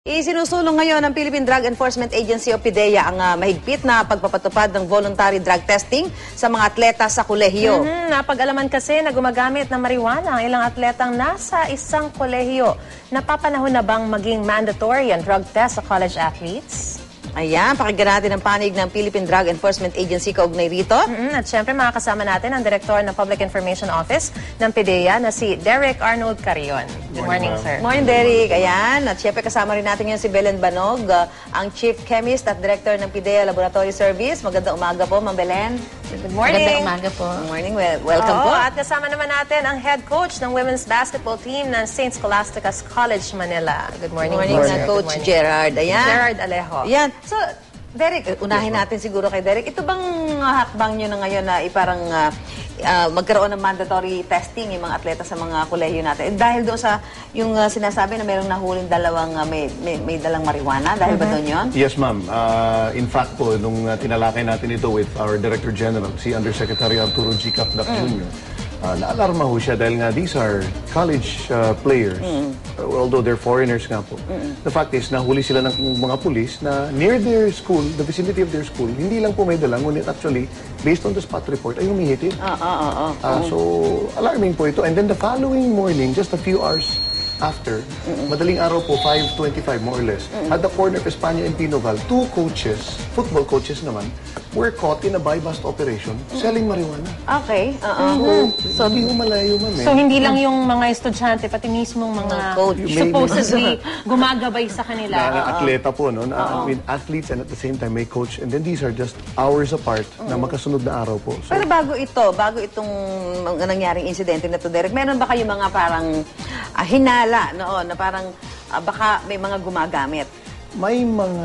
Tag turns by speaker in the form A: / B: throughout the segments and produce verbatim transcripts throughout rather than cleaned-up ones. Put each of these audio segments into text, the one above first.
A: Isinusulong ngayon ng Philippine Drug Enforcement Agency o PDEA ang uh, mahigpit na pagpapatupad ng voluntary drug testing sa mga atleta sa kolehiyo.
B: Mm-hmm. Napag-alaman kasi na gumagamit ng marijuana ang ilang atletang nasa isang kolehiyo. Napapanahon na bang maging mandatory ang drug test sa college athletes?
A: Ayan, pakinggan natin ang panig ng Philippine Drug Enforcement Agency kaugnay rito.
B: Mm-hmm. At syempre makakasama natin ang Direktor ng Public Information Office ng PDEA na si Derek Arnold Carion. Good morning, sir.
A: Morning, Derek. Ayan, at syempre kasama rin natin ngayon si Belen Banog, uh, ang Chief Chemist at Director ng PDEA Laboratory Service. Magandang umaga po, Ma'am Belen.
B: Good morning.
C: Magandang umaga po.
A: Good morning. Well, welcome
B: Oo,
A: po.
B: At kasama naman natin ang head coach ng women's basketball team ng Saint Scholastica's College, Manila. Good morning,
A: Good morning,
B: po,
A: na
B: sir.
A: Coach
B: Good morning.
A: Gerard. Ayan.
B: Gerard Alejo.
A: Ayan. So, Derek, unahin natin siguro kay Derek. Ito bang uh, hakbang nyo na ngayon na iparang uh, uh, magkaroon ng mandatory testing yung mga atleta sa mga kolehiyo natin? Eh, dahil doon sa yung uh, sinasabi na mayroong nahuling dalawang uh, may, may, may dalang marijuana, dahil mm-hmm. ba doon yun?
D: Yes, ma'am. Uh, in fact po, nung uh, tinalakay natin ito with our Director General, si Undersecretary Arturo G. Capdac mm. Junior, Uh, naalarma ho siya dahil nga these are college uh, players, mm. uh, although they're foreigners nga po. Mm. The fact is, nahuli sila ng mga pulis na near their school, the vicinity of their school, hindi lang po may dalang, ngunit actually, based on the spot report, ay humihitid.
A: Ah, ah, ah, ah.
D: Uh, so, alarming po ito. And then the following morning, just a few hours after, mm-mm. madaling araw po, five twenty-five more or less, mm-mm. at the corner of Espana and Pinoval, two coaches, football coaches naman, were caught in a buy-bust operation selling marijuana.
A: Okay. Uh-uh.
D: Mm-hmm. So, hindi mo malayo, ma'am. Eh.
B: So, hindi lang yung mga estudyante, pati mismong mga
A: coach.
B: supposedly gumagabay sa kanila.
D: Na, na atleta po, no? Na, I mean, athletes and at the same time may coach. And then these are just hours apart uh-huh. na magkasunod na araw po. So,
A: pero bago ito, bago itong mga nangyaring insidente na to, Derek, meron ba kayo mga parang uh, hinala noon na parang uh, baka may mga gumagamit?
D: May mga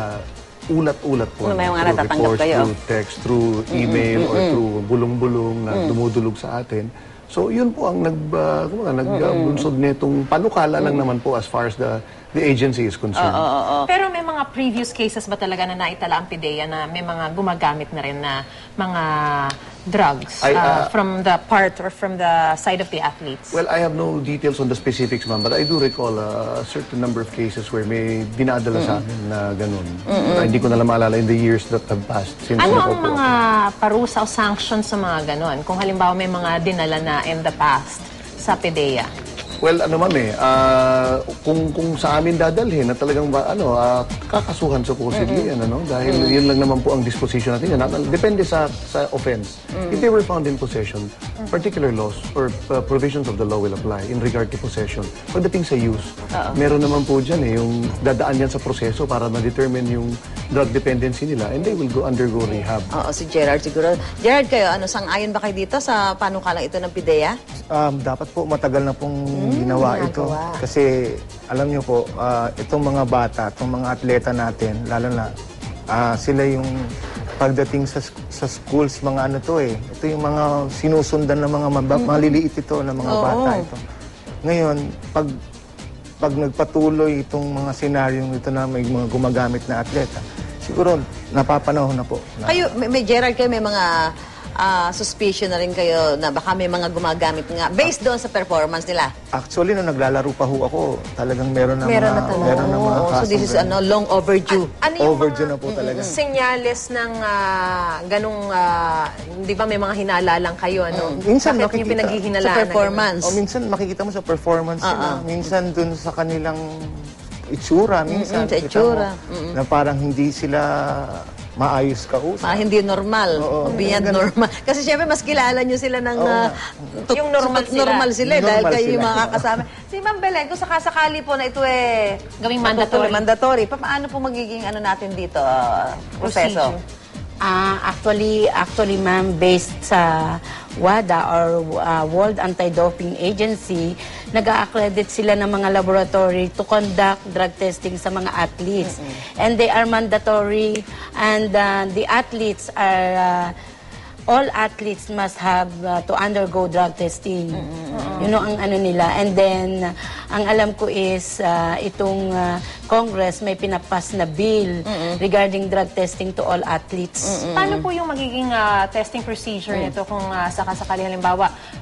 D: ulat-ulat po.
A: May mga natatanggap kayo?
D: Through text, through email, mm-hmm. or through bulong-bulong na mm-hmm. dumudulog sa atin. So, yun po ang nag, uh, nag-bunsod mm-hmm. netong panukala mm-hmm. lang naman po as far as the the agency is concerned.
A: Oh, oh, oh.
B: Pero may mga previous cases ba talaga na naitala ang PDEA na may mga gumagamit na rin na mga drugs
D: I, uh,
B: uh, from the part or from the side of the athletes?
D: Well, I have no details on the specifics, ma'am, but I do recall uh, a certain number of cases where may dinadala mm-hmm. sa amin na ganun. Mm-hmm. Hindi ko na lang maalala in the years that have passed. Since
B: ano ang mga parusa o sanctions sa mga ganun? Kung halimbawa may mga dinala na in the past sa PDEA?
D: Well, ano ma'am eh, uh, kung, kung sa amin dadalhin na talagang ba, ano, uh, kakasuhan supposedly, mm-hmm. ano, dahil mm-hmm. yun lang naman po ang disposition natin. Yan. Depende sa, sa offense. Mm-hmm. If they were found in possession, mm-hmm. particular laws or uh, provisions of the law will apply in regard to possession. Pagdating sa use, uh-oh. meron naman po dyan eh, yung dadaan yan sa proseso para ma-determine yung drug dependency nila and they will go undergo rehab.
A: Oo, si Gerard siguro. Gerard, kayo, ano, sang-ayon ba kayo dito sa panukalang ito ng PDEA?
E: Um, dapat po matagal na pong mm, ginawa ito. Kasi alam niyo po, uh, itong mga bata, itong mga atleta natin, lalo na uh, sila yung pagdating sa, sa schools, mga ano to eh. Ito yung mga sinusundan ng mga mabab, mm-hmm. maliliit ito ng mga
A: Oo.
E: bata ito. Ngayon, pag pag nagpatuloy itong mga senaryong ito na may mga gumagamit na atleta, siguro napapanahon na po. Na,
A: kayo, may, may Gerard, kayo may mga uh, suspicion na rin kayo na baka may mga gumagamit nga based doon sa performance nila?
E: Actually, nung naglalaro pa ho ako, talagang meron na
B: meron
E: mga,
B: na talaga.
E: meron na mga
A: Oh, so this is ano, long overdue.
B: Ano yung
E: overdue
B: mga
E: na po talaga.
B: senyales ng uh, ganong, uh, di ba may mga hinala lang kayo, ano?
E: Mm. Minsan
B: Bakit
E: makikita.
B: yung pinaghihinalaan?
A: Sa performance.
E: O minsan makikita mo sa performance
A: Uh-uh.
E: nila. Minsan dun sa kanilang itsura, minsan.
A: Mm-mm, sa
E: kita
A: itsura.
E: mo, na parang hindi sila maayos kausap.
A: Ah, hindi normal.
E: Oo,
A: o beyond
E: ganun.
A: normal. Kasi syempre, mas kilala nyo sila ng...
E: Oo
A: uh, tut-
B: Yung normal
A: tut-
B: sila.
A: normal sila. eh,
E: Yung
A: dahil
E: normal
A: kayo yung
E: sila.
A: mga kasama. Si Ma'am Belen, kung sakasakali po na ito eh...
B: Gawing mandatory.
A: Mandatory. Pa- paano po magiging ano natin dito? Uh, proseso?
C: Uh, actually, actually ma'am, based sa WADA or uh, World Anti-Doping Agency, nag-a-accredit sila ng mga laboratory to conduct drug testing sa mga athletes. Mm-hmm. And they are mandatory and uh, the athletes are... Uh, all athletes must have uh, to undergo drug testing. Mm-hmm. Yun know, ang ano nila. And then, uh, ang alam ko is, uh, itong uh, Congress may pinapas na bill mm-hmm. regarding drug testing to all athletes.
B: Mm-hmm. Paano po yung magiging uh, testing procedure mm-hmm. nito kung uh, sakasakali halimbawa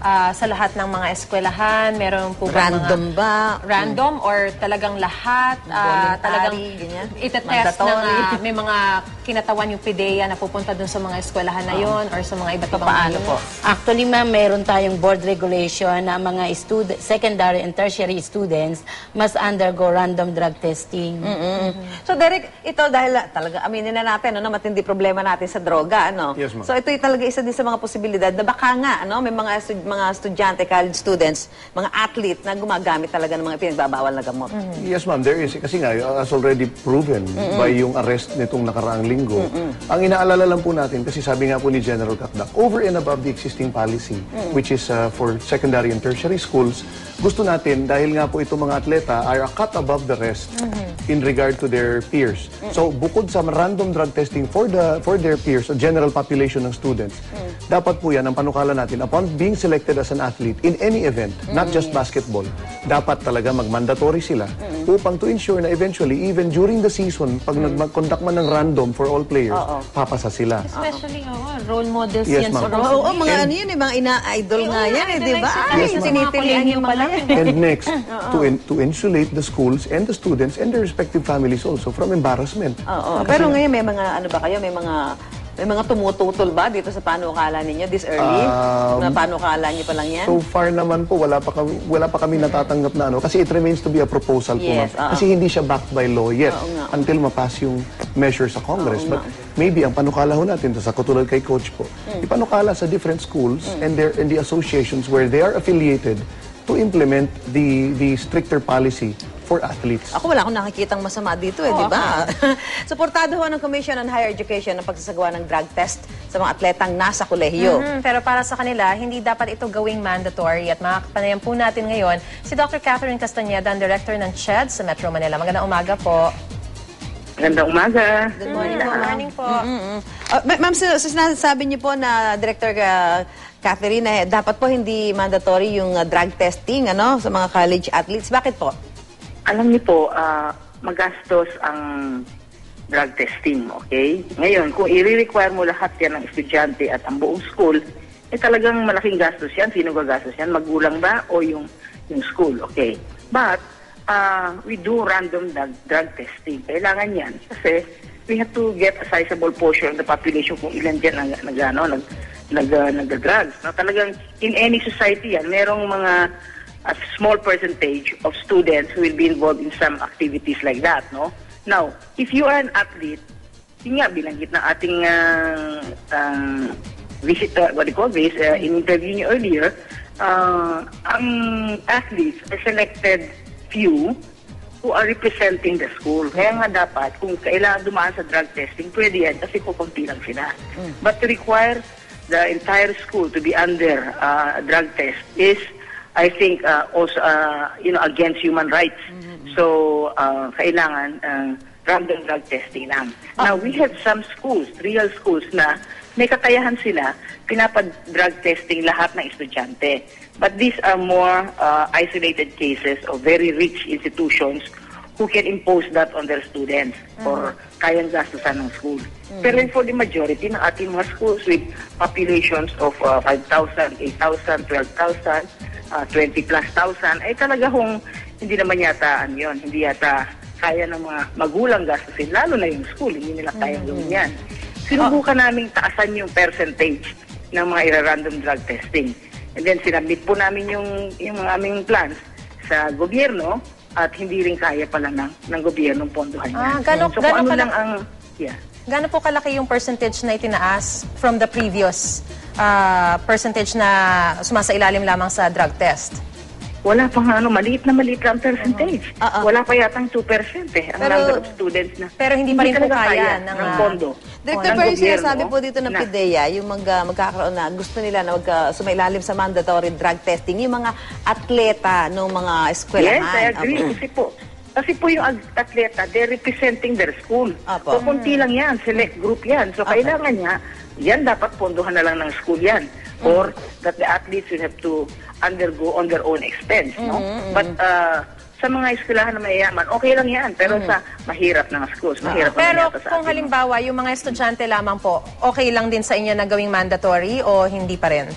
B: ah, sa lahat ng mga eskwelahan? Meron po ba
A: Random
B: mga...
A: ba?
B: Random or talagang lahat? ah,
A: Voluntary,
B: talagang
A: ganyan?
B: itetest ng
A: Mandatory?
B: ah, may mga kinatawan yung PIDEA na pupunta dun sa mga eskwelahan na yon or sa mga iba't ibang
A: Paano po?
C: Actually, ma'am, meron tayong board regulation na mga student, secondary and tertiary students must undergo random drug testing.
A: Mm. So Derek, ito dahil ah, talaga aminin na natin no, na matindi problema natin sa droga, ano?
D: Yes, ma'am.
A: So ito yung talaga isa din sa mga posibilidad na baka nga, ano, may mga stud- mga estudyante, college students, mga athlete na gumagamit talaga ng mga pinagbabawal na gamot.
D: Yes, ma'am, there is. Kasi nga, as already proven by yung arrest nitong nakaraang linggo, ang inaalala lang po natin, kasi sabi nga po ni General Kakdak, over and above the existing policy, which is uh, for secondary and tertiary schools, gusto natin, dahil nga po itong mga atleta are a cut above the rest in regard to their peers. So, bukod sa random drug testing for the for their peers, o general population ng students, dapat po yan, ang panukala natin, upon being selected as an athlete in any event, not just basketball, dapat talaga mag-mandatory sila upang to ensure na eventually, even during the season, pag nag-conduct man ng random for all players, papasa sila.
B: Especially, oh, role models
D: Yes,
B: yan.
D: ma'am.
B: supposedly.
A: Oo, oh, mga ano yun, eh, mga ina-idol nga yan, eh, di ba?
B: Yes,
A: Ay,
B: ma'am.
A: sinitilian yung mga yan.
D: And next, to in, to insulate the schools and the students and their respective families also from embarrassment.
A: Oo, pero ngayon may mga, ano ba kayo, may mga, may mga tumututol ba dito sa panukala ninyo this early?
D: Um,
A: na panukala niyo pa lang yan?
D: So far naman po, wala pa, kami, wala pa kami natatanggap na ano. Kasi it remains to be a proposal po,
A: Yes,
D: ma'am.
A: oo.
D: Kasi hindi siya backed by law yet
A: Oo nga.
D: until mapass yung measure sa Congress.
A: Oo
D: But maybe ang panukala ho natin, sa katulad kay Coach po,
A: Mm.
D: ipanukala sa different schools and, their, and the associations where they are affiliated to implement the, the stricter policy for athletes.
A: Ako wala akong nakikitang masama dito eh, di ba? Suportado ho ng Commission on Higher Education ang pagsasagawa ng drug test sa mga atletang nasa kolehiyo.
B: Mhm, pero para sa kanila, hindi dapat ito gawing mandatory at makakapanayan po natin ngayon si Doctor Catherine Castañeda, ang Director ng C H E D sa Metro Manila. Magandang umaga po.
F: Magandang umaga.
A: Good morning
B: Good
A: po.
B: morning po.
A: Mm-mm. Uh, ma- Ma'am, so, so sinasabi niyo po na Director uh, Catherine, eh, dapat po hindi mandatory yung uh, drug testing ano, sa mga college athletes. Bakit po?
F: Alam niyo po, ah, magastos ang drug testing, okay? Ngayon, kung i-require mo lahat yan ng estudyante at ang buong school, eh talagang malaking gastos yan. Sino gagastos yan? Magulang ba o yung, yung school, okay? But, uh, we do random drug, drug testing. Kailangan yan kasi we have to get a sizable portion of the population kung ilan dyan nag, nag, ano, nag, nag, uh, nag-drugs. Na talagang in any society yan, merong mga a small percentage of students who will be involved in some activities like that, no? Now, if you are an athlete, yun nga, binanggit na ating uh, uh, visit, uh, what do you call this, uh, in interview niyo earlier, uh, ang athletes are selected few who are representing the school. Kaya nga dapat, kung kailangan dumaan sa drug testing, pwede yan kasi pupunti lang sila. But to require the entire school to be under uh, a drug test is I think uh, also uh, you know against human rights. Mm-hmm. So uh, kailangan uh, random drug testing lang. Oh. Now we have some schools, real schools na may kakayahan sila pinapad-drug testing lahat ng estudyante. But these are more uh, isolated cases of very rich institutions who can impose that on their students mm-hmm. or kayang gastusan ng school. Mm-hmm. Pero for the majority ng ating mga schools with populations of uh, five thousand, eight thousand, twelve thousand, Uh, twenty plus thousand, ay talaga kung hindi naman yata ano yun, hindi yata kaya ng mga magulang gastusin, lalo na yung school, hindi nila kayang gawin yan. Sinubukan namin taasan yung percentage ng mga ira-random drug testing. And then sinabit po namin yung, yung mga aming plans sa gobyerno at hindi rin kaya pala ng, ng gobyerno pondohan yan.
B: Ah, gano,
F: so
B: gano
F: kung ano
B: pala,
F: lang ang... Yeah.
B: Gaano po kalaki yung percentage na itinaas from the previous uh, percentage na sumasailalim lamang sa drug test?
F: Wala pang ano, maliit na maliit lang percentage.
A: Uh-huh.
F: Wala pa yatang two percent eh, ang
A: Pero,
F: number of students na.
B: Pero hindi pa rin po
F: talaga
B: kaya ng,
F: ng
B: uh,
F: pondo.
A: Director,
F: ng
A: pero yung
F: gobyerno
A: sinasabi po dito ng
F: na-
A: PIDEA, yung mag, uh, magkakaroon na, gusto nila na mag, uh, sumailalim sa mandatory drug testing, yung mga atleta ng mga eskwelahan.
F: Yes, I agree.
A: Apo.
F: Kasi po, kasi po yung ag- atleta, they're representing their school.
A: Apo.
F: So, kunti lang yan, select group yan. So,
A: Apo.
F: kailangan niya, yan dapat pondohan na lang ng school yan. Or that the athletes will have to undergo on their own expense, no? But uh, sa mga eskwelahan na mayayaman, okay lang yan. Pero sa mahirap na schools, mahirap naman
B: Pero
F: yata sa
B: kung
F: atin.
B: halimbawa, yung mga estudyante lamang po, okay lang din sa inyo na gawing mandatory o hindi pa rin?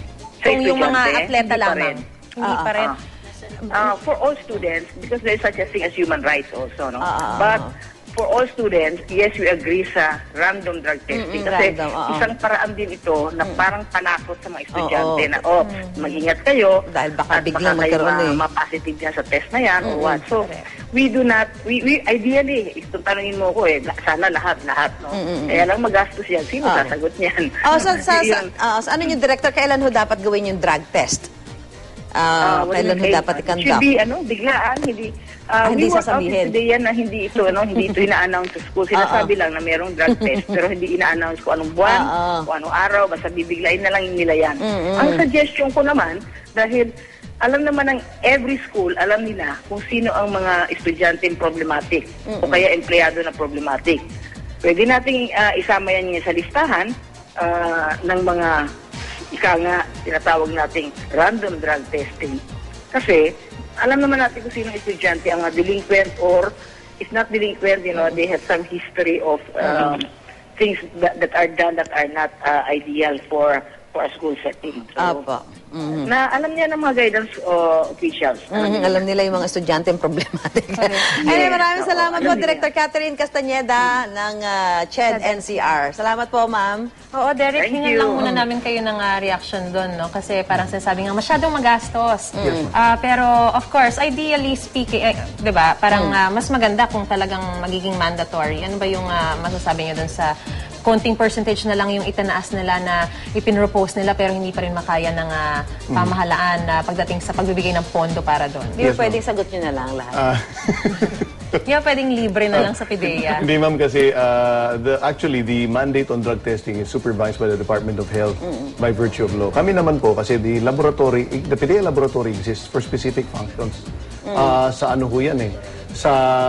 B: Kung yung mga
F: estudyante,
B: atleta
F: hindi pa
B: lamang.
F: rin.
B: Hindi
A: Ah,
B: pa rin.
F: Uh, for all students, because there's such a thing as human rights also, no?
A: Ah, ah,
F: But
A: ah.
F: for all students, yes, we agree sa random drug testing.
A: Mm-mm,
F: Kasi
A: random, oo.
F: isang paraan din ito na parang panakot sa mga estudyante
A: Oo.
F: na, oh, mag-ingat kayo.
A: Dahil baka
F: at
A: biglang
F: baka kayo
A: magkaroon
F: ma-
A: eh.
F: ma-positive dyan sa test na yan or what. So, we do not, we, we ideally, kung tanungin mo ko eh, sana lahat, lahat, no? Kaya lang magastos yan. Sino
A: Ah.
F: sasagot niyan?
A: Oh, sa, sa, sa,
F: Yun.
A: ah, sa ano yung director, kailan ho dapat gawin yung drug test? Ah,
F: Ah, what
A: kailan
F: do
A: ho
F: you say?
A: dapat
F: It
A: i-conduct?
F: should be, ano, biglaan, hindi.
A: Ah,
F: Uh,
A: hindi
F: we work out
A: sasabihin.
F: today yan na hindi ito, ano, hindi ito ina-announce sa school. Sinasabi lang na mayroong drug test, pero hindi ina-announce kung anong buwan,
A: Ah, ah.
F: kung anong araw, basta bibiglain na lang nila yan. Ang suggestion ko naman, dahil alam naman ng every school, alam nila kung sino ang mga estudyante problematic o kaya empleyado na problematic. Pwede nating ah, isama yan sa listahan ah, ng mga ika nga, tinatawag nating random drug testing. Kasi, alam naman natin kung sino estudyante ang uh, delinquent or if not delinquent, you know, they have some history of um, things that, that are done that are not uh, ideal for for a school setting. So,
A: Apo. Mhm.
F: na alam niya ng mga guidance uh, officials.
A: Mhm, alam nila yung mga estudyante yung problematic. Anyway, maraming
F: Oo,
A: salamat
F: alam
A: po,
F: nila.
A: Director Catherine Castañeda ng ah, C H E D N C R. Salamat po, ma'am.
B: Oo, Derek,
F: Thank
B: hingan
F: you.
B: lang muna namin kayo ng ah, reaction doon, no? Kasi parang sinasabi nga, masyadong magastos. Ah, pero, of course, ideally speaking, eh, di ba, parang ah, mas maganda kung talagang magiging mandatory. Ano ba yung ah, masasabi niyo doon sa konting percentage na lang yung itanaas nila na ipinropose nila pero hindi pa rin makaya ng ah, pamahalaan na pagdating sa pagbibigay ng pondo para doon?
A: Hindi ba pwedeng sagot nyo na lang lahat?
D: Ah,
B: Hindi ba pwedeng libre na lang sa PIDEA?
D: Hindi ma'am kasi uh, the, actually the mandate on drug testing is supervised by the Department of Health by virtue of law. Kami naman po kasi the laboratory, the PIDEA laboratory exists for specific functions. Ah, sa ano ho yan eh? Sa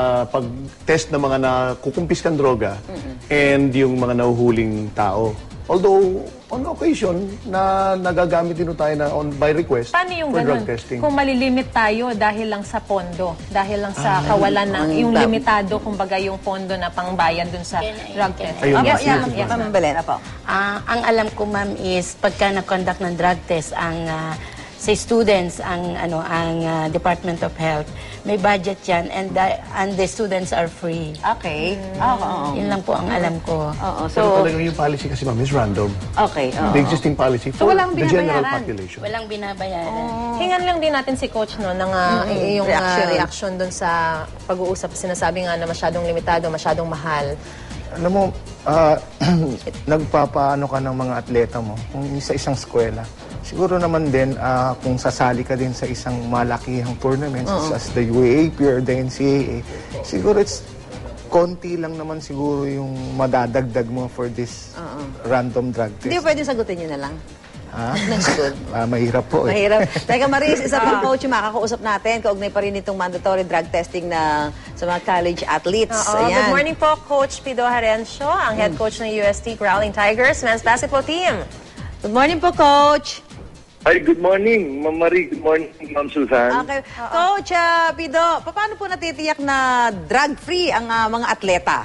D: pag-test ng mga nakukumpiskan droga and yung mga nahuhuling tao. Although, on occasion, na nagagamit din ho tayo na on, by request
B: Paano yung
D: for
B: ganun?
D: drug testing.
B: Kung malilimit tayo dahil lang sa pondo, dahil lang sa kawalan ng, yung
A: ang-
B: limitado, kumbaga yung pondo na pangbayad dun sa drug test.
D: Ayun,
A: Apo,
D: yes,
A: yan,
D: yes, yes.
A: Ma'am Belen, apo.
C: Ah, ang alam ko ma'am is pagka na-conduct ng drug test ang ah, sa students ang ano ang ah, Department of Health may budget yan and the, and the students are free.
A: Okay. Oo, oo.
C: Yun lang po ang alam ko.
A: Oo,
D: So,
A: so,
D: talagang yung policy kasi ma'am is random.
A: okay. oo.
D: The existing policy for
A: walang
D: the general
A: binabayaran?
D: population.
C: Walang binabayaran.
B: Hingan lang din natin si Coach no ng ah, yung
A: Reaction.
B: reaction. reaction dun sa pag-uusap. Sinasabi nga na masyadong limitado, masyadong mahal.
E: Alam mo, ah, nagpapaano ka ng mga atleta mo kung sa isang eskwela. Siguro naman din ah, kung sasali ka din sa isang malakihang tournament as the U A A P or the N C A A, siguro it's konti lang naman siguro yung madadagdag mo for this random drug test.
A: Hindi ba pwedeng sagutin nyo na lang?
E: Ha?
A: Next good.
E: Ah, mahirap po eh.
A: Mahirap. Teka, Maris, isa pang coach yung makakausap natin. Kaugnay pa rin itong mandatory drug testing na sa mga college athletes.
B: Oo,
A: Ayan.
B: good morning po, Coach Pido Harencio, ang head coach ng U S T Growling Tigers men's basketball team.
A: Good morning po, Coach.
G: Hi, good morning, Ma'am Marie. Good morning, Ma'am Susan.
A: Okay. Coach uh, Pido, paano po natitiyak na drug-free ang ah, mga atleta?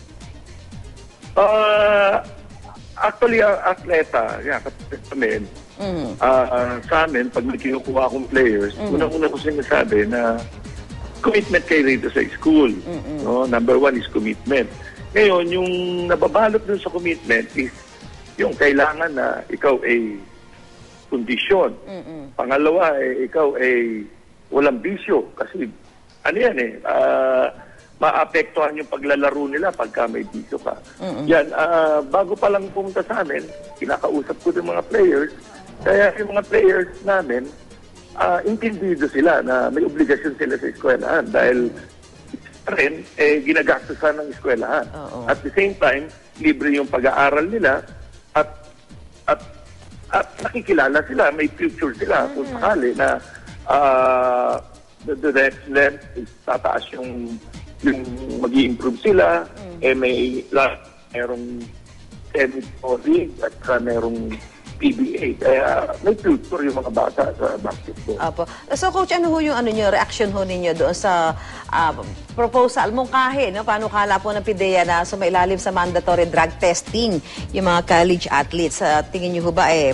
G: Uh, actually, ang atleta, yan, kapatid namin, ah, ah, sa amin, pag may kinukuha akong players, unang-una ko sinasabi na commitment kayo rito sa school. No? Number one is commitment. Ngayon, yung nababalot dun sa commitment is yung kailangan na ikaw ay kondisyon. Pangalawa, eh, ikaw ay walang bisyo. Kasi, ano yan eh, ah, maapektuhan yung paglalaro nila pagka may bisyo ka. Yan, ah, bago pa lang pumunta sa amin, kinakausap ko yung mga players. Kaya yung mga players namin, ah, intindido sila na may obligasyon sila sa eskwelahan dahil rin, eh, ginagastusan ng eskwelahan. At the same time, libre yung pag-aaral nila at at at nakikilala sila, may future sila kung sakali na uh, the, the next length is tataas yung yung mag-i-improve sila, eh may la, merong semi-pro league at saka merong P B A. Kaya may future yung mga bata sa basketball.
A: Apo. So, Coach, ano ho yung ano nyo, reaction ho ninyo doon sa ah, proposal mong kahe, no? Paano kala po ng PIDEA na sumailalim sa mandatory drug testing yung mga college athletes? Sa tingin nyo ho ba, eh,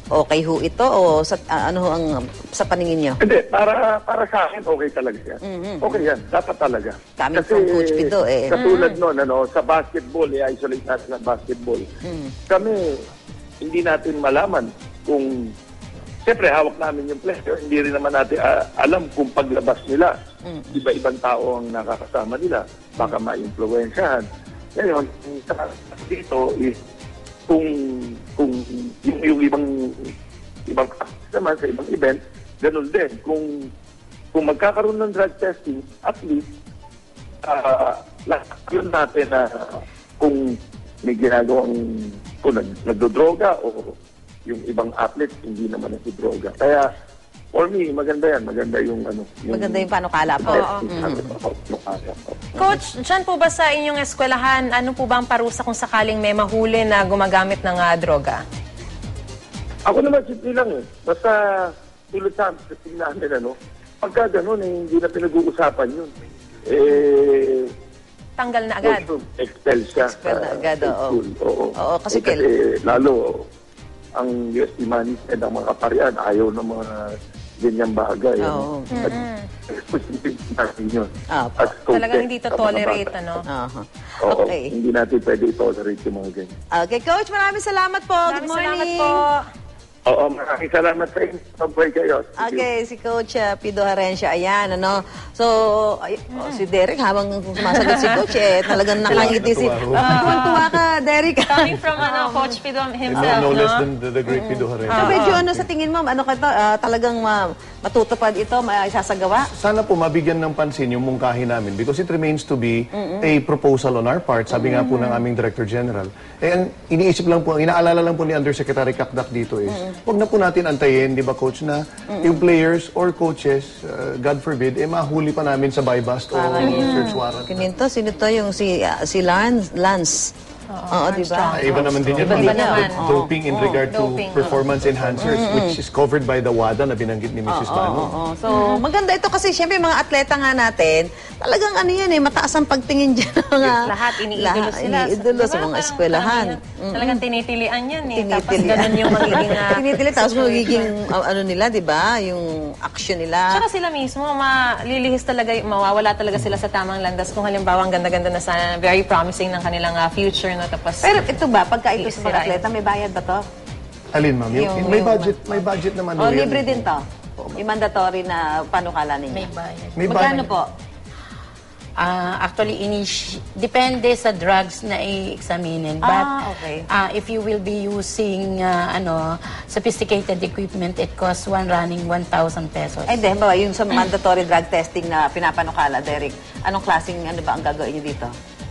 A: okay ho ito o sa, ah, ano ho ang sa paningin nyo?
G: Hindi, para para sa akin, okay talaga yan. Okay yan, dapat talaga.
A: Coming from Coach Pido, eh.
G: Katulad nun, ano, sa basketball, i-isolate natin ang basketball. Kami, hindi natin malaman kung, siyempre, hawak namin yung player, hindi rin naman natin ah, alam kung paglabas nila, iba-ibang tao ang nakakasama nila, baka ma-influensyahan. Ngayon, sa dito is, kung kung yung, yung ibang ibang naman sa ibang event, ganun din. Kung kung magkakaroon ng drug testing, at least uh, lahat yun natin na uh, kung may ginagawang kung nag, nagdodroga o yung ibang athletes hindi naman nagdodroga. Kaya for me, maganda yan. Maganda yung ano. Yung
A: Maganda yung panukala po.
G: panukala po.
B: Coach, dyan po ba sa inyong eskwelahan, ano po ba ang parusa kung sakaling may mahuli na gumagamit ng ah, droga?
G: Ako naman, simple lang eh. Basta tulad sa amin namin, ano, pagka ganun, eh, hindi na pinag-uusapan yun. Eh,
B: Tanggal na agad.
G: also, expel siya.
A: Expel na
G: sa-
A: agad,
G: sa
A: oo.
G: school. Oo.
A: Oo, kasi
G: Eh, kasi
A: kail-
G: lalo, ang U S T Management, ang mga kaparian, ayaw ng mga ganyang bagay.
A: Oo.
G: Ano? At specific natin yun.
A: Ah,
G: As coaches,
B: Talagang hindi to
G: sa mga
B: tolerate,
G: bata.
B: ano?
A: Aha.
G: Oo,
A: Okay.
G: hindi natin pwede i-tolerate yung mga ganyan.
A: Okay, Coach, maraming salamat po. Good
B: Maraming
A: morning.
B: salamat po.
G: Oo, maraming salamat sa inyo. Mabuhay kayo. Thank you.
A: Okay, si Coach uh, Pido Harencia, ayan, ano. So, ay, oh, si Derek, habang sumasagot si Coach, eh, talagang nakangiti si...
D: Tuwa-tuwa.
A: Ah, tuwang-tuwa ka, Derek.
B: Coming from ano, Coach Pido himself,
D: No, no less
B: no?
D: than the, the great Pido Harena.
A: So, medyo ano sa tingin mo, ano ka to, ah, talagang ma- matutupad ito, maisasagawa?
D: Sana po mabigyan ng pansin yung mungkahi namin because it remains to be a proposal on our part. Sabi nga po ng aming Director General. Eh, ang iniisip lang po, inaalala lang po ni Undersecretary Kakdak dito is, wag na po natin antayin, di ba Coach, na yung players or coaches, uh, God forbid, eh mahuli pa namin sa buy bust o search warrant.
A: Kininto, sino to yung si, ah, si Lance? Lance. Oo, di ba?
D: Ay, iba naman din yun.
A: Iba
D: ma'am.
A: naman.
D: Doping in regard to
B: Doping,
D: performance enhancers, which is covered by the WADA na binanggit ni Missus Manu.
A: Oo, so maganda ito kasi siyempre mga atleta nga natin, talagang ano yan eh, mataas ang pagtingin dyan. ng Mga,
B: Lahat, iniidolo
A: lahat,
B: sila.
A: iniidolo sa
B: Diba?
A: mga
B: Parang
A: eskwelahan.
B: karamihan, Talagang tinitilian yan eh. Tapos
A: Tinitili.
B: ganun yung magiging... ah,
A: Tinitili, tapos
B: situation.
A: magiging uh, ano nila, di ba? Yung action nila.
B: Tsaka sila mismo, malilihis talaga, mawawala talaga sila sa tamang landas kung halimbawa ang ganda-ganda na sana, very promising ng kanilang ah, future, no? Tapos,
A: Pero ito ba, pagka ito sa mga
B: Sirain.
A: atleta, may bayad ba to?
D: Alin, ma'am? Yung,
A: Yung-
D: may
A: yung-
D: budget, may budget naman.
A: O
D: ho yan.
A: libre din to? Yung mandatory na panukala ninyo?
C: May bayad.
D: May
A: Magkano
D: budget.
A: po?
C: Ah, actually, initi- depende sa drugs na i-examinin. But
A: Ah, okay.
C: ah, if you will be using ah, ano sophisticated equipment, it costs one running one thousand pesos.
A: Ay, hindi. Ba, yung sa mandatory drug testing na pinapanukala, Derek, anong klaseng ano ba ang gagawin nyo dito?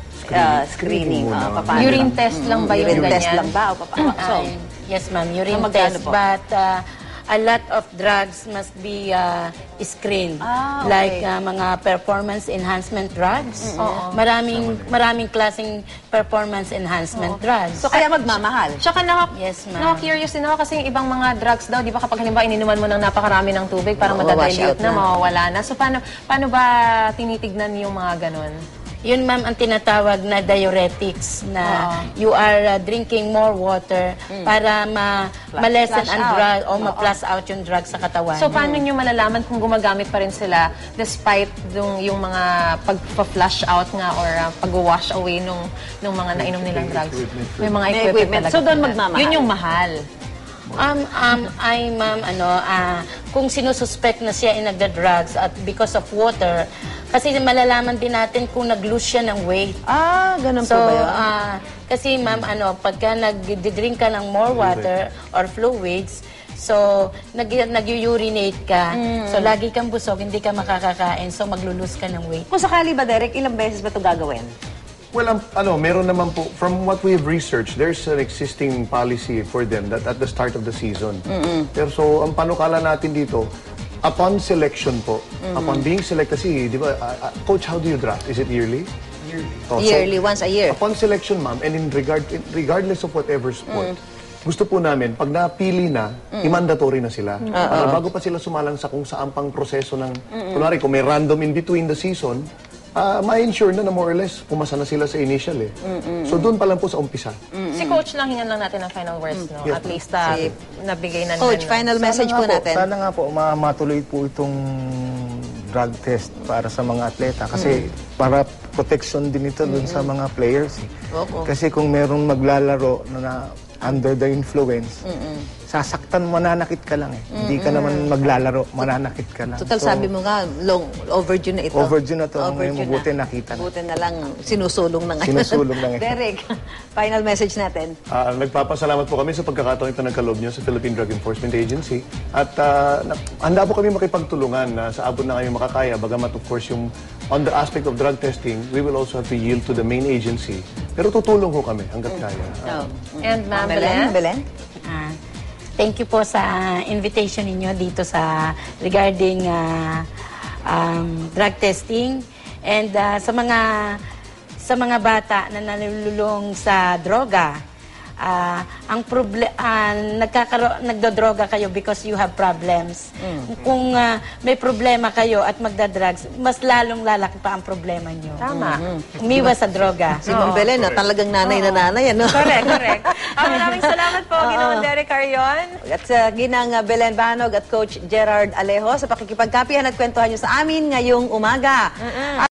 A: Ah, screening.
D: Screening muna.
A: ah, papaano?
B: urine test lang ba yung
A: Urine test
B: ganyan?
A: lang ba? O papaano? So,
C: Ah, yes, ma'am, urine
A: So, magkano
C: test.
A: po?
C: But ah, a lot of drugs must be ah, screened.
A: Ah, okay.
C: Like ah, mga performance enhancement drugs. Maraming maraming klaseng performance enhancement drugs.
A: so kaya magmamahal.
B: Tsaka naka,
C: Yes, ma'am.
B: naka-curious din ako kasi yung ibang mga drugs daw, di ba kapag halimbawa ininuman mo ng napakarami ng tubig, parang
A: Oo, wash out
B: madadilute na,
A: na.
B: mawawala na. So paano, paano ba tinitignan yung mga ganun?
C: Yun, ma'am, ang tinatawag na diuretics na you are uh, drinking more water para ma ma-lessen
A: Mm. flush
C: ang
A: out.
C: drug o ma-flush out yung drug sa katawan.
B: So paano nyo malalaman kung gumagamit pa rin sila despite yung, yung mga pag-flush out nga or uh, pag-wash away nung, nung mga nainom nilang drugs? May mga
A: May
B: equipment,
A: equipment.
B: talaga
A: So, doon
B: sila.
A: magmamahal.
B: Yun yung mahal.
C: Um, um, ay, ma'am, ano, ah, kung sinususpect na siya ay nagda-drugs at because of water, kasi malalaman din natin kung nag-lose siya ng weight.
A: Ah, ganun
C: So,
A: po ba yun?
C: ah, kasi ma'am, ano, pagka nag-drink ka ng more water or fluids, so, nag nag-urinate ka, so lagi kang busog, hindi ka makakakain, so maglulus ka ng weight.
A: Kung sakali ba, Derek, ilang beses ba ito gagawin?
D: Well, um, ano, meron naman po, from what we have researched, there's an existing policy for them that at the start of the season. Pero so, ang panukala natin dito, upon selection po, upon being selected, kasi, di ba, uh, uh, Coach, how do you draft? Is it yearly? Yearly.
A: Yearly, once a year.
D: Upon selection, ma'am, and in regard, in- regardless of whatever sport, gusto po namin, pag napili na, i-mandatory na sila. Para bago pa sila sumalang sa kung saan pang proseso ng, kunwari, kung may random in between the season, ah, ma-ensure na na more or less pumasa na sila sa initial eh. So doon pa lang po sa umpisa.
B: Si Coach lang, hingan lang natin ng final words, no?
D: Yeah.
B: At least uh,
A: Si-
B: nabigay na
A: Coach,
B: naman.
A: final message
E: Sana
A: po
E: nga po,
A: natin.
E: Sana nga po ma- matuloy po itong drug test para sa mga atleta kasi para protection din ito dun sa mga players. eh.
A: Oo.
E: Kasi kung merong maglalaro na, na under the influence, sasaktan, mananakit ka lang eh. Hindi ka naman maglalaro, mananakit ka lang.
A: Total,
E: So,
A: sabi mo nga, long overdue na ito.
E: Overdue na to.
A: Overdue
E: Ngayon, mabuti nakita na.
A: Buti na lang, sinusulong na ngayon.
E: Sinusulong na ngayon.
A: Derek, final message natin.
D: Ah, nagpapasalamat po kami sa pagkakataon ito nagkaloob niyo sa Philippine Drug Enforcement Agency. At ah, na- handa po kami makipagtulungan na sa abot na kayong makakaya. Bagamat of course yung on the aspect of drug testing, we will also have to yield to the main agency. Pero tutulong ho kami hanggat kaya.
A: Oh.
B: And Ma'am
A: Belen?
B: Belen?
A: Belen?
C: Ah, thank you po sa invitation ninyo dito sa regarding ah, um, drug testing and ah, sa mga sa mga bata na nalululong sa droga. Ah, ang proble ah, nagkakaro nagdodroga kayo because you have problems. Kung ah, may problema kayo at magda-drugs, mas lalong lalaki pa ang problema nyo.
B: Tama.
C: Umiwas sa droga.
A: Si Ma'am Belen, na talagang nanay na nanay, ano?
B: Correct, correct. Ah, maraming salamat po, Ginoong Derek Carion.
A: At sa ginang uh, Belen Banog at Coach Gerard Alejo sa pakikipagkapihan at kwentuhan nyo sa amin ngayong umaga.